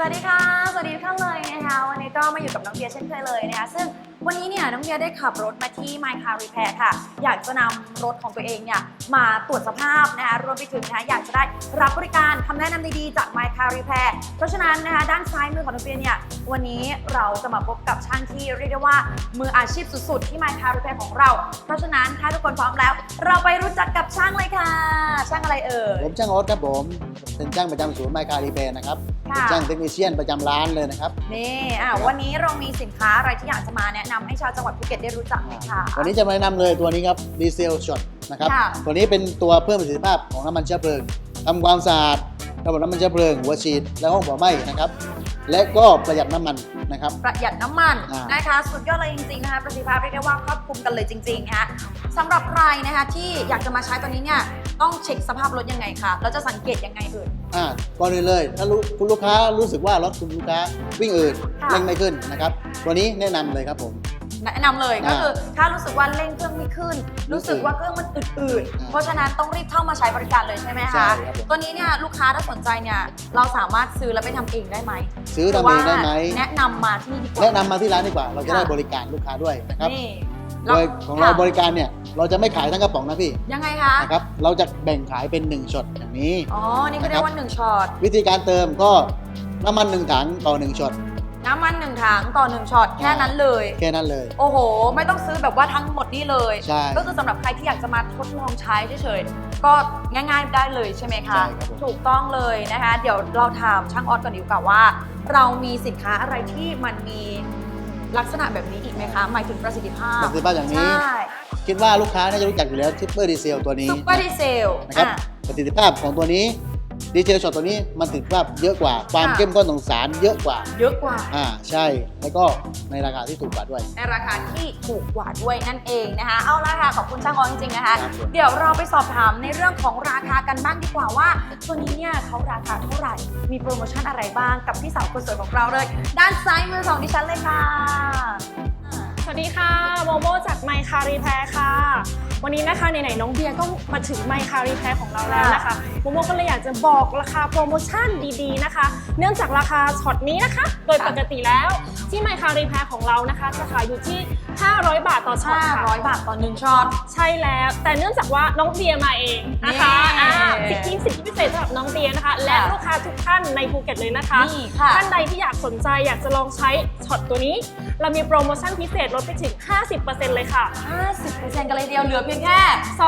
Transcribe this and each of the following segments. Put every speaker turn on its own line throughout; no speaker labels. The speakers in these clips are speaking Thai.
วัสดีค่ะสวัสดีทุกท่านเลยนะคะวันนี้ก็มาอยู่กับน้องเบียร์เช่นเคยเลยนะคะซึ่งวันนี้เนี่ยน้องเบียร์ได้ขับรถมาที่ My Car Repair ค่ะอยากจะนำรถของตัวเองเนี่ยมาตรวจสภาพนะคะรวมไปถึงนะคะอยากจะได้รับบริการคำแนะนำดีๆจาก My Car Repair เพราะฉะนั้นนะคะด้านซ้ายมือของน้องเบียร์เนี่ยวันนี้เราจะมาพบกับช่างที่เรียกได้ว่ามืออาชีพสุดๆที่ My Car Repair ของเราเพราะฉะนั้นถ้าทุกคนพร้อมแล้วเราไปรู้จักกับช่างเลยค่ะช่างอะไรเอ่ย
ผมช่างโอ๊ตครับผมเป็นช่างประจำศูนย์ My Car Repair นะครับเป็นช่างเทคนิคเชียนประจำร้านเลยนะครับ
นี่วันนี้เรามีสินค้าอะไรที่อยากจะมาแนะนำให้ชาวจังหวัดภูเก็ตได้รู้จักไหมคะ
วันนี้จะมาแนะนำเลยตัวนี้ครับดีเซลช็อตนะครับตัวนี้เป็นตัวเพิ่มประสิทธิภาพของน้ำมันเชื้อเพลิงทำความสะอาดระบบน้ำมันเชื้อเพลิงหัวฉีดและห้องเผาไหม้นะครับและก็ประหยัดน้ำมันนะครับ
ประหยัดน้ำมันนะคะสุดยอดเลยจริงๆนะคะประสิทธิภาพเรียกได้ว่าครอบคลุมกันเลยจริงๆนะคะสำหรับใครนะคะที่อยากจะมาใช้ตัวนี้เนี่ยต้องเช็คสภาพรถยังไงคะเราจะสังเกตยังไงเอ่ย
ก่อนอื่นเลยถ้าคุณลูกค้ารู้สึกว่ารถคุณลูกค้าวิ่งอืดเร่งไม่ขึ้นนะครับตัวนี้แนะนำเลยครับผม
แนะนำเลยก็คือถ้ารู้สึกว่าเร่งเครื่องไม่ขึ้นรู้สึกว่าเครื่องมันอืดๆเพราะฉะนั้นต้องรีบเข้ามาใช้บริการเลยใช่ไหมคะตัวนี้เนี่ยลูกค้าถ้าสนใจเนี่ยเราสามารถซื้อแล้วไปทำเองได้ไหม
ซื้อทำเองได้ไหม
แนะนำมาที่นี่ดีกว่า
แนะนำมาที่ร้านดีกว่าเราจะได้บริการลูกค้าด้วยนะครับโดยของเราบริการเนี่ยเราจะไม่ขายทั้งกระป๋องนะพี่
ยังไงคะ
นะครับเราจะแบ่งขายเป็น1ช็อตอย่างนี้
นี่ก็เรียกว่า1ช็อต
วิธีการเติมก็น้ำมัน1ถังต่อ1ช็อต
น้ำมัน1ถังต่อ1ช็อตแค่นั้นเลย
แค่นั้นเลย
โอ้โหไม่ต้องซื้อแบบว่าทั้งหมดนี่เลย
ใช่
ก็คือสำหรับใครที่อยากจะมาทดลองใช้เฉยๆก็ง่ายๆได้เลยใช่ไหมคะถูกต้องเลยนะคะเดี๋ยวเราถามช่างออสก่อนดีกว่าว่าเรามีสินค้าอะไรที่มันมีลักษณะแบบนี้อีกไหมคะหมายถึงประสิทธิภาพ
อย่างนี้คิดว่าลูกค้าน่าจะรู้จักอยู่แล้วซุปเปอร์ดีเซลตัวนี้
ซุปเปอร์ดีเซล
นะครับประสิทธิภาพของตัวนี้ดีเซลช็อตตัวนี้มันถึงว่าเยอะกว่าความเข้มข้นของสารเยอะกว่าใช่แล้วก็ในราคาที่ถูกกว่าด้วย
ในราคาที่ถูกกว่าด้วยนั่นเองนะคะเอาละค่ะขอบคุณช่างออสจริงๆนะคะเดี๋ยวเราไปสอบถามในเรื่องของราคากันบ้างดีกว่าว่าตัวนี้เนี่ยเขาราคาเท่าไหร่มีโปรโมชั่นอะไรบ้างกับพี่สาวคนสวยของเราเลยด้านซ้ายมือของดิฉันเลยค่ะ
สวัสดีค่ะโมโมจาก My Car Repair ค่ะวันนี้นะคะไหนๆน้องเบียร์ก็มาถึง My Car Repair ของเราแล้วนะคะโมโมก็เลยอยากจะบอกราคาโปรโมชั่นดีๆนะคะเนื่องจากราคาช็อตนี้นะคะโดยปกติแล้วที่ My Car Repair ของเรานะคะจะขายอยู่ที่500 บาทต่อช็อตค่ะ
500 บาทต่อ1ช็อต
ใช่แล้วแต่เนื่องจากว่าน้องเบียร์มาเองนะคะสิทธิพิเศษสำหรับน้องเบียร์นะคะและลูกค้าทุกท่านในภูเก็ตเลยนะคะท่านใดที่อยากสนใจอยากจะลองใช้ช็อตตัวนี้เรามีโปรโมชั่นพิเศษลดไปถึง 50% เลยค่ะ
50% กันเลยเดียวเหลือเพียงแค่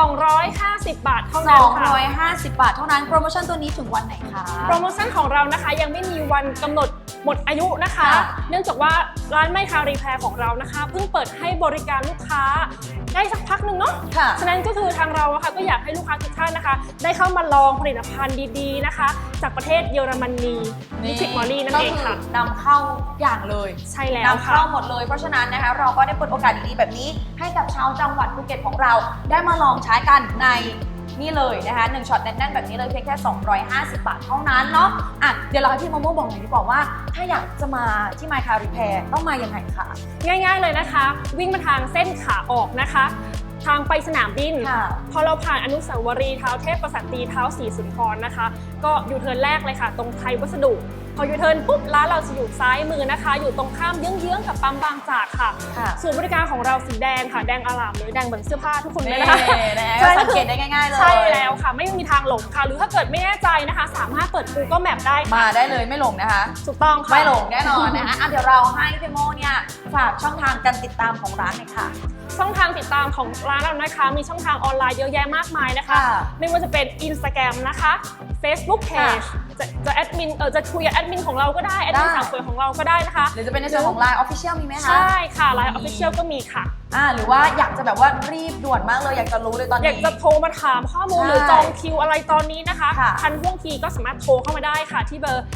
250 บาทเท่านั้นค่ะ
250 บาทเท่านั้นโปรโมชั่นตัวนี้ถึงวันไหนคะ
โปรโมชั่นของเรานะคะยังไม่มีวันกำหนดหมดอายุนะคะเนื่องจากว่าร้าน My Car Repair ของเรานะคะเพิ่งเปิดให้บริการลูกค้าได้สักพักหนึ่งเนาะฉะนั้นก็คือทางเราค่ะก็อยากให้ลูกค้าทุกท่านนะคะได้เข้ามาลองผลิตภัณฑ์ดีๆนะคะจากประเทศเยอรมนีลิควิดมอลลี่นั่นเองค่ะ
นำเข้าอย่างเลย
ใช่แล้ว
นำเข้าหมดเลยเพราะฉะนั้นนะคะเราก็ได้เปิดโอกาสดีๆแบบนี้ให้กับชาวจังหวัดภูเก็ตของเราได้มาลองใช้กันในนี่เลยนะคะ1ช็อตแน่นๆแบบนี้เลยเพียงแค่250 บาทเท่านั้นเนาะเดี๋ยวเราให้พี่โมโม่บอกหน่อยดีกว่าว่าถ้าอยากจะมาที่ My Car Repair ต้องมายังไงคะ
ง่ายๆเลยนะคะวิ่งมาทางเส้นขาออกนะคะทางไปสนามบินพอเราผ่านอนุสาวรีย์เท้าเทพกษัตริย์เท้าศรีสุนทรนะคะก็ยูเทิร์นแรกเลยค่ะตรงไทยวัสดุพอยูเทิร์นปุ๊บร้านเราจะอยู่ซ้ายมือนะคะอยู่ตรงข้ามเยื้องๆกับปั๊มบางจากค่ะศูนย์บริการของเราสีแดงค่ะแดงอลามเลยแดงเหมือนเสื้อผ้าทุกคนเลยนะคะ
สังเกตได้ง่ายๆเลย
ใช่แล้วค่ะไม่มีทางหลงค่ะหรือถ้าเกิดไม่แน่ใจนะคะสามารถเปิด Google Map ได้
มาได้เลยไม่หลงนะคะ
ถูกต้องค่ะ
ไม่หลงแน่นอนนะคะเดี๋ยวเราให้พี่โมเนี่ยฝากช่องทางการติดตามของร้านหน่อยค่ะ
ช่องทางติดตามของร้านเรานะคะมีช่องทางออนไลน์เยอะแยะมากมายนะคะไม่ว่าจะเป็น Instagram นะคะ Facebook Page จะแอดมินจะคุยกับแอดมินของเราก็ได้แอดมินสาวสวยของเราก็ได้นะคะ
หรือจะเป็นในส่วนของ Line Official มีไหมคะ
ใช่ค่ะ Line Official ก็มีค่ะ
หรือว่าอยากจะแบบว่ารีบด่วนมากเลยอยากจะรู้เลยตอนนี้
อยากจะโทรมาถามข้อมูลหรือจองคิวอะไรตอนนี้นะคะทันท่วงทีก็สามารถโทรเข้ามาได้ค่ะที่เบอร์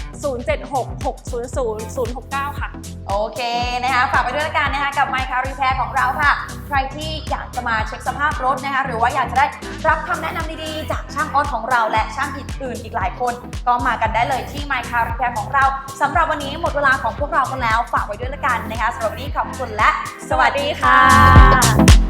0766000069ค่ะ
โอเคนะคะฝากไปด้วยละกันนะคะกับ My Car Repair ของเราค่ะใครที่อยากจะมาเช็คสภาพรถนะคะหรือว่าอยากจะได้รับคำแนะนำดีๆจากช่างออสของเราและช่างอื่นๆอีกหลายคนก็มากันได้เลยที่ My Car Repair ของเราสำหรับวันนี้หมดเวลาของพวกเรากันแล้วฝากไว้ด้วยละกันนะคะสำหรับวันนี้ขอบคุณและสวัสดีค่ะ